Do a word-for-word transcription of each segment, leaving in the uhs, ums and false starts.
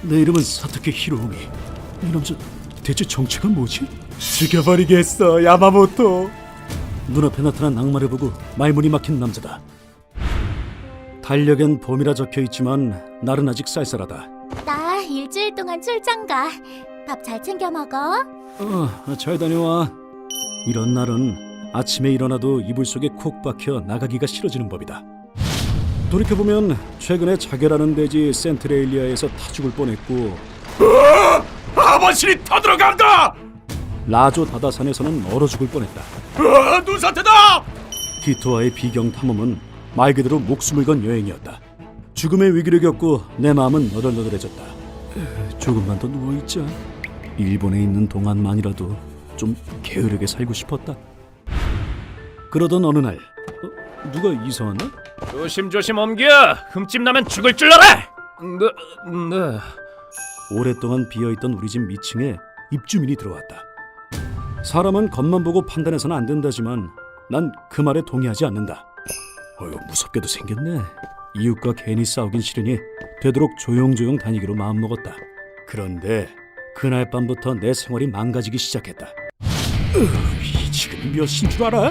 내 이름은 사토키 히로우미. 이 남자 대체 정체가 뭐지? 죽여버리겠어, 야마모토. 눈앞에 나타난 악마를 보고 말문이 막힌 남자다. 달력엔 봄이라 적혀있지만 날은 아직 쌀쌀하다. 나 일주일 동안 출장 가. 밥 잘 챙겨 먹어. 어, 잘 다녀와. 이런 날은 아침에 일어나도 이불 속에 콕 박혀 나가기가 싫어지는 법이다. 돌이켜보면 최근에 자결하는 대지 센트레일리아에서 타 죽을 뻔했고, 아버신이 타들어간다! 라조 다다산에서는 얼어 죽을 뻔했다. 아, 눈사태다! 기토와의 비경 탐험은 말 그대로 목숨을 건 여행이었다. 죽음의 위기를 겪고 내 마음은 너덜너덜해졌다. 조금만 더 누워있자. 일본에 있는 동안만이라도 좀 게으르게 살고 싶었다. 그러던 어느 날, 어, 누가 이사 왔나? 조심조심 옮겨! 흠집 나면 죽을 줄 알아! 네, 네. 오랫동안 비어있던 우리 집 미층에 입주민이 들어왔다. 사람은 겉만 보고 판단해서는 안 된다지만 난 그 말에 동의하지 않는다. 어휴, 무섭게도 생겼네. 이웃과 괜히 싸우긴 싫으니 되도록 조용조용 다니기로 마음먹었다. 그런데 그날 밤부터 내 생활이 망가지기 시작했다. 으, 지금 몇 시인 줄 알아?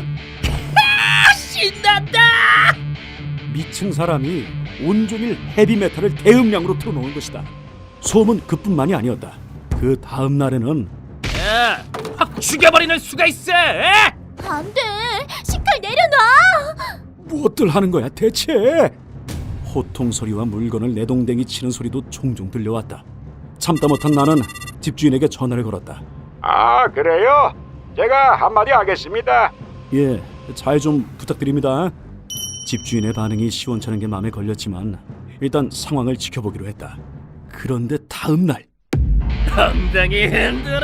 신난다! 미층 사람이 온종일 헤비메탈을 대음량으로 틀어놓은 것이다. 소음은 그뿐만이 아니었다. 그 다음 날에는 야, 확 죽여버리는 수가 있어! 에? 안 돼. 식칼 내려놔. 무엇들 하는 거야 대체? 호통 소리와 물건을 내동댕이 치는 소리도 종종 들려왔다. 참다 못한 나는 집주인에게 전화를 걸었다. 아, 그래요? 제가 한마디 하겠습니다. 예, 잘 좀 부탁드립니다. 집주인의 반응이 시원찮은 게 마음에 걸렸지만 일단 상황을 지켜보기로 했다. 그런데 다음 날 엉덩이 흔들어!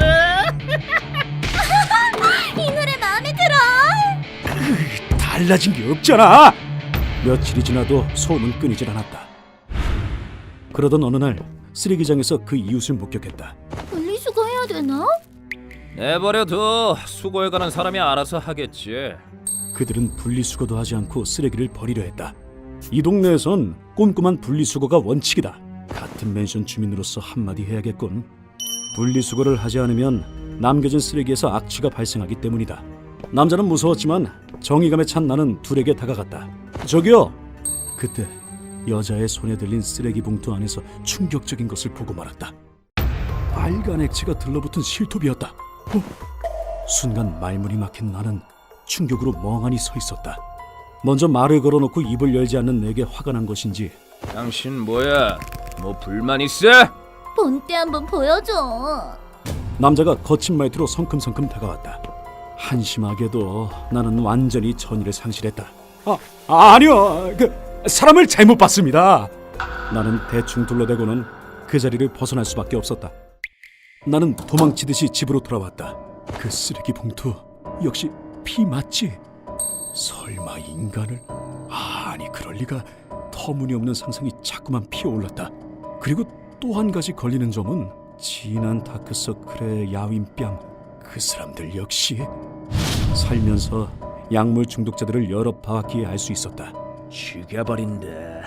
이 노래 마음에 들어. 달라진 게 없잖아. 며칠이 지나도 소음은 끊이질 않았다. 그러던 어느 날 쓰레기장에서 그 이웃을 목격했다. 분리수거해야 되나? 내버려둬. 수고해가는 사람이 알아서 하겠지. 그들은 분리수거도 하지 않고 쓰레기를 버리려 했다. 이 동네에선 꼼꼼한 분리수거가 원칙이다. 같은 맨션 주민으로서 한마디 해야겠군. 분리수거를 하지 않으면 남겨진 쓰레기에서 악취가 발생하기 때문이다. 남자는 무서웠지만 정의감에 찬 나는 둘에게 다가갔다. 저기요! 그때 여자의 손에 들린 쓰레기 봉투 안에서 충격적인 것을 보고 말았다. 빨간 액체가 들러붙은 실톱이었다. 어? 순간 말문이 막힌 나는 충격으로 멍하니 서 있었다. 먼저 말을 걸어놓고 입을 열지 않는 내게 화가 난 것인지 당신 뭐야? 뭐 불만 있어? 본때 한번 보여줘. 남자가 거친 말투로 성큼성큼 다가왔다. 한심하게도 나는 완전히 전의를 상실했다. 아, 아니요. 그 사람을 잘못 봤습니다. 나는 대충 둘러대고는 그 자리를 벗어날 수밖에 없었다. 나는 도망치듯이 집으로 돌아왔다. 그 쓰레기 봉투 역시 피 맞지? 설마 인간을? 아니 그럴 리가. 터무니없는 상상이 자꾸만 피어올랐다. 그리고 또 한 가지 걸리는 점은 진한 다크서클의 야윈뺨. 그 사람들 역시 살면서 약물 중독자들을 여러 봐왔기에 알 수 있었다. 죽여버린다.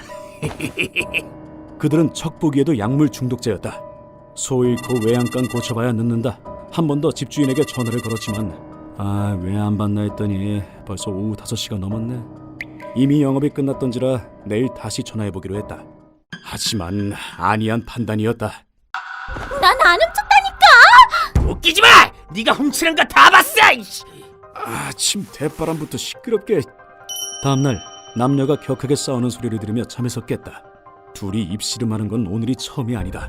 그들은 척 보기에도 약물 중독자였다. 소 잃고 외양간 고쳐봐야 늦는다. 한 번 더 집주인에게 전화를 걸었지만 아, 왜 안 받나 했더니 벌써 오후 다섯 시가 넘었네. 이미 영업이 끝났던지라 내일 다시 전화해보기로 했다. 하지만 안이한 판단이었다. 난 안 훔쳤다니까. 웃기지 마! 네가 훔치는 거 다 봤어! 이씨. 아침 대바람부터 시끄럽게. 다음날 남녀가 격하게 싸우는 소리를 들으며 잠에서 깼다. 둘이 입씨름하는 건 오늘이 처음이 아니다.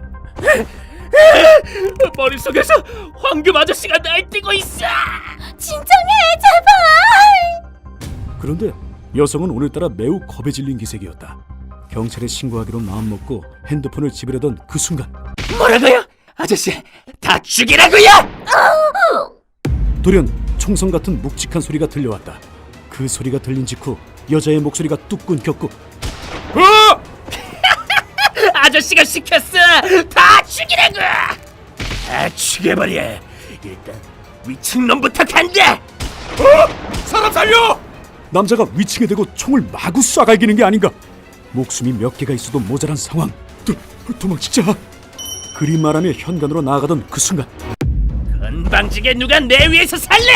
머릿속에서 황금 아저씨가 날뛰고 있어! 진정해, 제발. 그런데 여성은 오늘따라 매우 겁에 질린 기색이었다. 경찰에 신고하기로 마음먹고 핸드폰을 지배려던 그 순간 뭐라고요? 아저씨, 다 죽이라고요! 돌연 총성 같은 묵직한 소리가 들려왔다. 그 소리가 들린 직후 여자의 목소리가 뚝 끊겼고 어! 아저씨가 시켰어! 다 죽이라고! 다 죽여버려! 일단 위층놈부터 간다! 어? 사람 살려! 남자가 위층에 대고 총을 마구 쏴갈기는 게 아닌가. 목숨이 몇 개가 있어도 모자란 상황. 도, 도망치자. 그림말하며 현관으로 나아가던 그 순간 건방지게 누가 내 위에서 살래?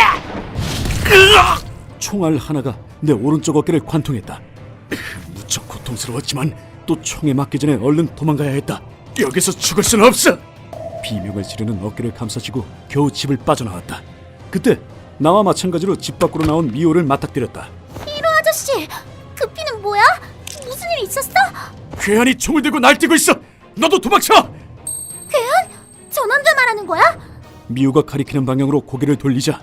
총알 하나가 내 오른쪽 어깨를 관통했다. 무척 고통스러웠지만 또 총에 맞기 전에 얼른 도망가야 했다. 여기서 죽을 수는 없어. 비명을 지르는 어깨를 감싸시고 겨우 집을 빠져나왔다. 그때 나와 마찬가지로 집 밖으로 나온 미호를 맞닥뜨렸다. 히로 아저씨, 그 피는 뭐야? 무슨 일 있었어? 괴한이 총을 들고 날뛰고 있어. 너도 도망쳐. 괴한? 저 남자 말하는 거야? 미호가 가리키는 방향으로 고개를 돌리자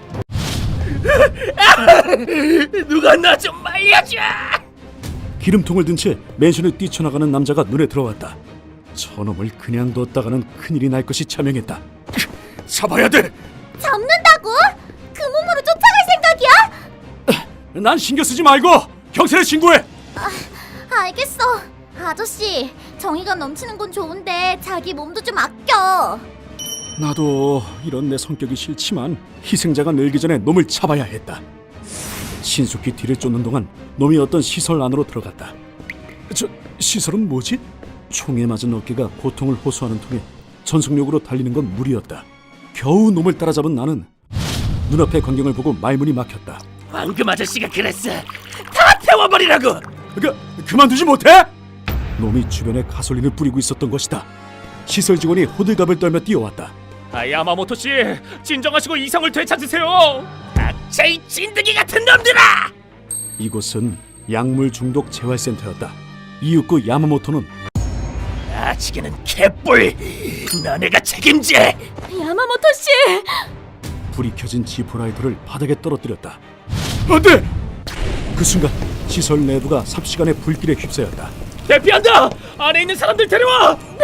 누가 나 좀 말려줘! 기름통을 든 채 맨션을 뛰쳐나가는 남자가 눈에 들어왔다. 저놈을 그냥 뒀다가는 큰일이 날 것이 자명했다. 잡아야 돼. 잡는다고? 그 몸으로 쫓아갈 생각이야? 난 신경 쓰지 말고 경찰에 신고해. 알겠어. 아저씨, 정의가 넘치는 건 좋은데 자기 몸도 좀 아껴. 나도 이런 내 성격이 싫지만 희생자가 늘기 전에 놈을 잡아야 했다. 신속히 뒤를 쫓는 동안 놈이 어떤 시설 안으로 들어갔다. 저 시설은 뭐지? 총에 맞은 어깨가 고통을 호소하는 통에 전속력으로 달리는 건 무리였다. 겨우 놈을 따라잡은 나는 눈앞의 광경을 보고 말문이 막혔다. 황금 아저씨가 그랬어. 다 태워버리라고. 그, 그만두지 못해? 놈이 주변에 가솔린을 뿌리고 있었던 것이다. 시설 직원이 호들갑을 떨며 뛰어왔다. 아, 야마모토 씨, 진정하시고 이성을 되찾으세요. 닥쳐 이 찐득이 같은 놈들아! 이곳은 약물 중독 재활센터였다. 이윽고 야마모토는 아치게는 개뿔. 너네가 책임져. 야마모토 씨! 불이 켜진 지포라이터를 바닥에 떨어뜨렸다. 안돼! 그 순간 시설 내부가 삽시간에 불길에 휩싸였다. 대피한다. 안에 있는 사람들 데려와. 네.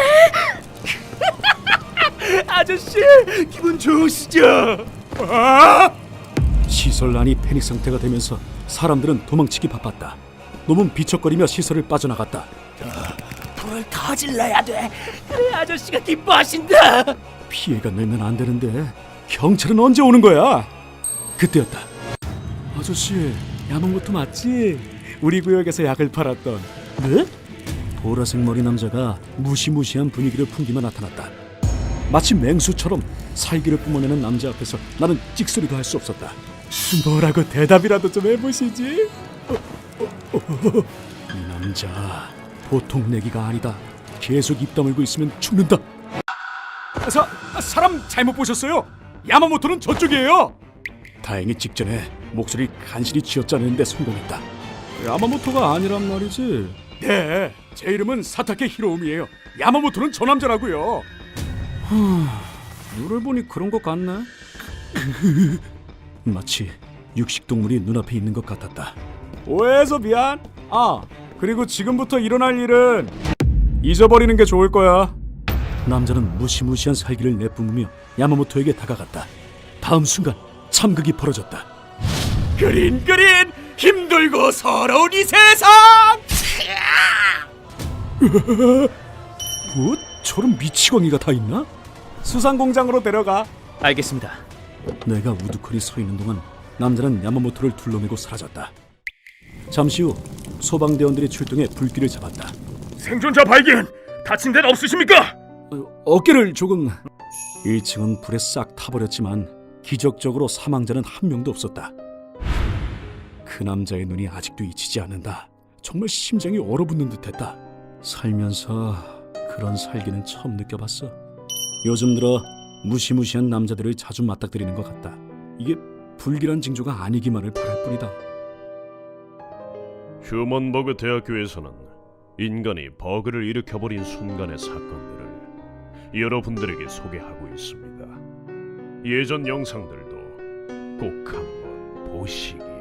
아저씨, 기분 좋으시죠? 아! 시설 안이 패닉 상태가 되면서 사람들은 도망치기 바빴다. 놈은 비척거리며 시설을 빠져나갔다. 불을 더 질러야 돼. 그래 아저씨가 기뻐하신다. 피해가 늘면 안 되는데 경찰은 언제 오는 거야? 그때였다. 아저씨, 야마모토 맞지? 우리 구역에서 약을 팔았던. 네? 보라색 머리 남자가 무시무시한 분위기를 풍기며 나타났다. 마치 맹수처럼 살기를 뿜어내는 남자 앞에서 나는 찍소리도 할 수 없었다. 뭐라고 대답이라도 좀 해보시지? 어, 어, 어. 이 남자 보통 내기가 아니다. 계속 입 다물고 있으면 죽는다. 사, 사람 잘못 보셨어요. 야마모토는 저쪽이에요. 다행히 직전에 목소리 간신히 쥐어짜내는데 성공했다. 야마모토가 아니란 말이지? 네, 제 이름은 사타케 히로우미예요. 야마모토는 저 남자라고요. 눈을 보니 그런 것 같네. 마치 육식동물이 눈앞에 있는 것 같았다. 오해해서 미안. 아, 그리고 지금부터 일어날 일은 잊어버리는 게 좋을 거야. 남자는 무시무시한 살기를 내뿜으며 야마모토에게 다가갔다. 다음 순간 참극이 벌어졌다. 그린 그린 힘들고 서러운 이 세상. 뭐 저런 미치광이가 다 있나? 수상공장으로 데려가. 알겠습니다. 내가 우두커니 서 있는 동안 남자는 야마모토를 둘러매고 사라졌다. 잠시 후 소방대원들이 출동해 불길을 잡았다. 생존자 발견. 다친 데는 없으십니까? 어, 어깨를 조금... 일 층은 불에 싹 타버렸지만 기적적으로 사망자는 한 명도 없었다. 그 남자의 눈이 아직도 잊히지 않는다. 정말 심장이 얼어붙는 듯했다. 살면서 그런 살기는 처음 느껴봤어. 요즘 들어 무시무시한 남자들을 자주 맞닥뜨리는 것 같다. 이게 불길한 징조가 아니기만을 바랄 뿐이다. 휴먼버그 대학교에서는 인간이 버그를 일으켜버린 순간의 사건들을 여러분들에게 소개하고 있습니다. 예전 영상들도 꼭 한번 보시기